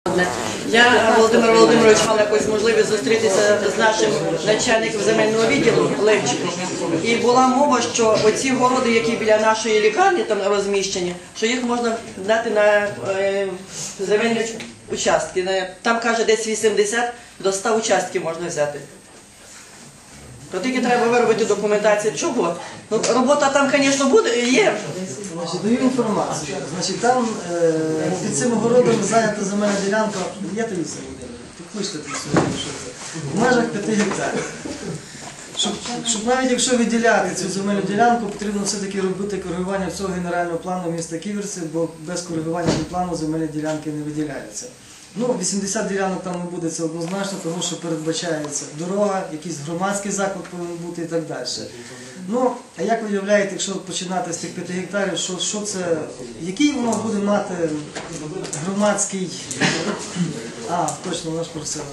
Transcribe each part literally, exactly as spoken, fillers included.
Я, Володимир Володимирович, мав якусь можливість зустрітися з нашим начальником земельного відділу Левчиком. І була мова, що оці городи, які біля нашої лікарні там розміщені, що їх можна дати на е, земельні участки. Там, каже, десь вісімдесят до ста участків можна взяти. То тільки треба виробити документацію. Чого? Ну, робота там, звісно, буде, є. Значить, даю інформацію. Значить, там е, під цим городом зайнята земельна ділянка, є Таїса Володимирівна? Підкличте тут сьогодні, що це. В межах п'яти гектарів. Щоб, щоб навіть якщо виділяти цю земельну ділянку, потрібно все-таки робити коригування цього генерального плану міста Ківерці, бо без коригування плану земельні ділянки не виділяються. Ну, вісімдесят ділянок там не буде, це однозначно, тому що передбачається дорога, якийсь громадський заклад повинен бути і так далі. Ну, а як ви уявляєте, якщо починати з тих п'яти гектарів, що, що це, який воно буде мати громадський... А, точно, вона ж просила.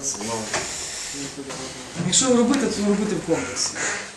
Якщо робити, то робити в комплексі.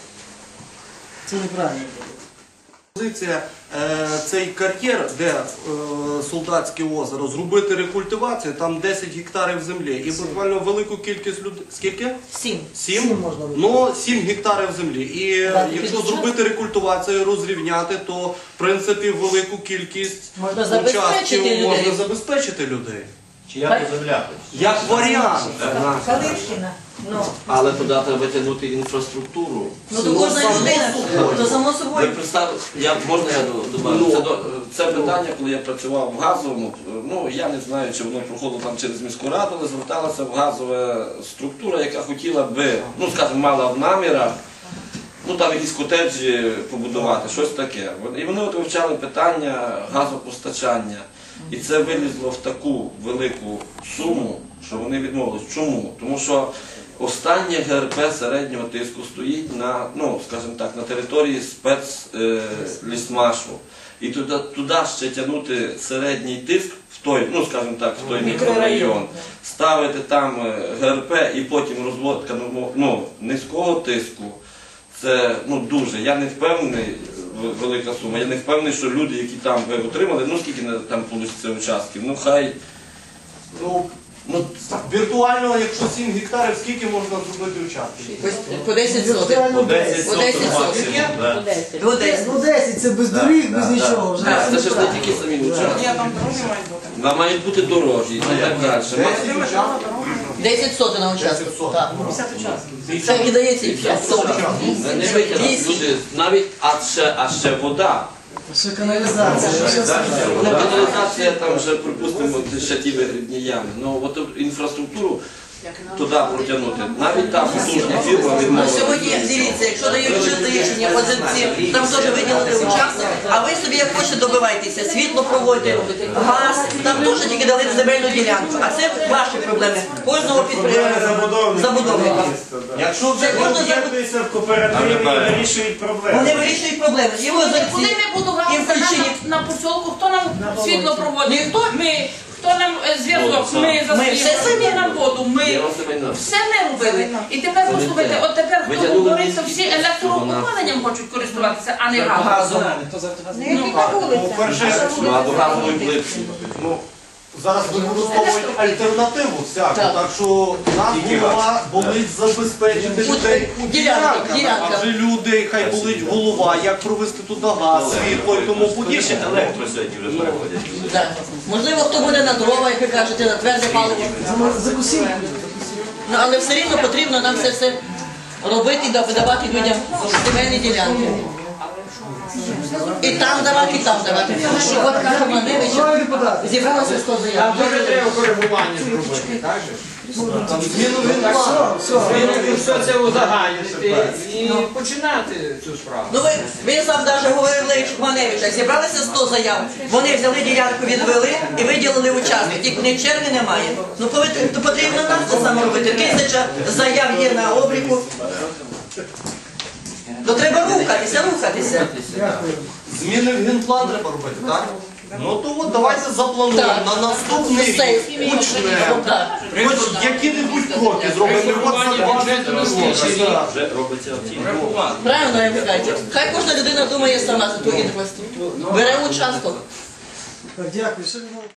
Це неправильно буде. Позиція е, цей кар'єр, де е, Солдатське озеро, зробити рекультивацію, там десять гектарів землі і буквально велику кількість людей. Скільки? Сім. Сім? Сім можна робити. Ну, сім гектарів землі. І Так, якщо підучати? зробити рекультивацію, розрівняти, то в принципі велику кількість Можна забезпечити участків людей. можна забезпечити людей. Чи як земля? Як варіант. Калишкіна. Ну, Але туди треба витягнути інфраструктуру. ну то кожна людина, то само Ви собою. представте, я, можна я добавлю? Це, до- це питання, коли я працював в газовому, ну я не знаю, чи воно проходило там через міську раду, але зверталася в газова структура, яка хотіла би, ну скажімо, мала в намірах, ну там якісь котеджі побудувати, щось таке. І вони от вивчали питання газопостачання. І це вилізло в таку велику суму, що вони відмовились. Чому? Тому що останнє ГРП середнього тиску стоїть на, ну, скажімо так, на території спецлісмашу. І туди, туди ще тягнути середній тиск в той, ну, скажімо так, в той мікрорайон, ставити там ГРП і потім розводка ну, низького тиску. Це ну, дуже. Я не впевнений, велика сума, я не впевнений, що люди, які там ви отримали, ну скільки там вийде участків, ну хай... Ну, ну, віртуально, якщо сім гектарів, скільки можна зробити участків? По десять сотих. Віртуально По десять По десять максимум, сотих. да. До десять. Ну десять, це без доріг, без нічого. Вже Так, це це ж не неправильно. тільки самі участки. Там мають бути дорожі і так далі. десять сотих на участку. десять сотих. Так. Це і дається і п'ять сотих. Не витягнуть люди, навіть, а ще, а ще вода. Ще каналізація. ще все. Ну, каналізація там вже, припустимо, ще ті вигрібні ями. Ну, от інфраструктуру туди протягнути. Навіть та потужна фірма Ну, відмовилася. сьогодні, дивіться, якщо дають чисте рішення позиції, там теж виділити участок, а ви собі як хочете добивайтеся, світло проводять, газ, там теж тільки дали земельну ділянку, а це ваші проблеми, кожного підприємства, забудовника. Якщо вже об'єднуються в кооперативі, вирішують проблеми. Вони вирішують проблеми. І Коли озерці, ми будемо і в Кульчині. на посілку, хто нам світло проводить? Ніхто. Ми. Хто нам е, зв'язок? Ми за Ми все світло, самі. ми нам воду, ми все ми робили. І тепер послухайте, от тепер хто Витягнули говориться, міські всі електроопаленням хочуть користуватися, а не газом. газом. По-перше, Ну, а до газової плитки. ну, зараз використовують альтернативу всяку, Так. так що нас голова болить забезпечити людей у Ділянках, ділянках. ділянках. Адже люди, хай болить голова, як провести туди газ, світло і тому подібне. Електро сьогодні вже переходять. Так. Можливо, хто буде на дрова, як ви кажете, на тверде паливо. Закусіть. Ну, але все рівно потрібно нам це все робити і давати людям земельні ділянки. І там давати, і там давати. Тому що от каже Маневич, зібралося сто заяв. Там дуже треба коригування зробити, так же? Зміну генплану. Змінити все це узагальнити і починати цю справу. Ну ви, він сам навіть говорив Левчик Маневича, зібралися сто заяв, вони взяли ділянку, відвели і виділили участок, тільки в них черги немає. Ну повинні- то потрібно нам це саме робити, тисяча заяв є на обліку. То треба рухатися, рухатися. Зміни в генплан треба робити, так? Ну то от давайте заплануємо Так. на наступний рік Сесії. почнемо. Так. Хоч які-небудь кроки зробимо. От за два Вже робиться оці. Правильно, як ви кажете. Хай кожна людина думає сама за ту інфраструктуру. Бере участок. Так, дякую. Ще